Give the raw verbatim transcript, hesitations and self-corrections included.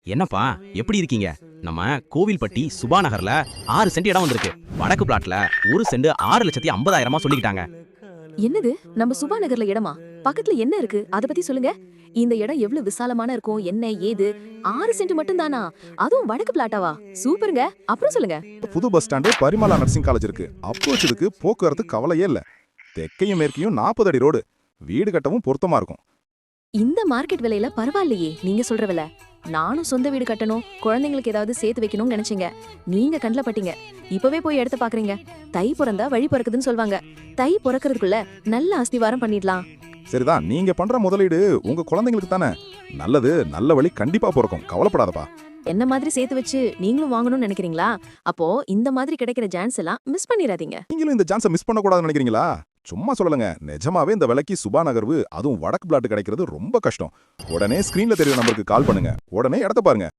என்னப்பா எப்படி இருக்கீங்க? நம்ம கோவில்பட்டி சுபா நகர்ல ஆறு சென்ட் இடம் வந்திருக்கு. வடக்கு பிளாட்ல ஒரு சென்ட் ஆறு லட்சத்தி ஐம்பதாயிரமா சொல்லிக்கிட்டாங்க. என்னது? நம்ம சுபா நகர்ல இடமா? பக்கத்துல என்ன இருக்கு அத பத்தி சொல்லுங்க. இந்த இடம் எவ்வளவு விசாலமான இருக்கும், என்ன ஏது? ஆறு சென்ட் மட்டும் தானா? அதுவும் வடக்கு பிளாட்டாவா? சூப்பருங்க. அப்புறம் சொல்லுங்க. புது bus stand Parimala nursing college இருக்கு. அப்ரோச் இதுக்கு போக்குவரத்து கவலையே இல்ல. தெற்கையும் மேற்கையும் நாற்பது அடி ரோடு. வீடு கட்டவும் பொருத்தமா இருக்கும். இந்த மார்க்கெட் விலையில பரவாயில்லையே நீங்க சொல்ற விலை. நானும் சொந்த வீடு கட்டணும், குழந்தைங்களுக்கு ஏதாவது சேர்த்து வைக்கணும்னு நினைச்சீங்க. நீங்க கண்ல பட்டீங்க. இப்பவே போய் இடத்த பாக்குறீங்க. தை பிறந்தா வழி பிறக்குதுன்னு சொல்வாங்க. தை பிறக்கிறதுக்குள்ள நல்ல அஸ்திவாரம் பண்ணிடலாம். சரிதான், நீங்க பண்ற முதலீடு உங்க குழந்தைங்களுக்கு தானே. நல்லது, நல்ல வழி கண்டிப்பா பிறக்கும். கவலைப்படாதப்பா. என்ன மாதிரி சேர்த்து வச்சு நீங்களும் வாங்கணும்னு நினைக்கிறீங்களா? அப்போ இந்த மாதிரி கிடைக்கிற சான்ஸ் எல்லாம் மிஸ் பண்ணிராதீங்க. நீங்களும் இந்த சான்ஸை மிஸ் பண்ணக்கூடாதுன்னு நினைக்கிறீங்களா? சும்மா சொல்லலங்க, நிஜமாவே இந்த விலைக்கு சுபா நகர்வு அதுவும் வடக்கு பிளாட் கிடைக்கிறது ரொம்ப கஷ்டம். உடனே ஸ்கிரீன்ல தெரியும் நம்பருக்கு கால் பண்ணுங்க. உடனே இடத்த பாருங்க.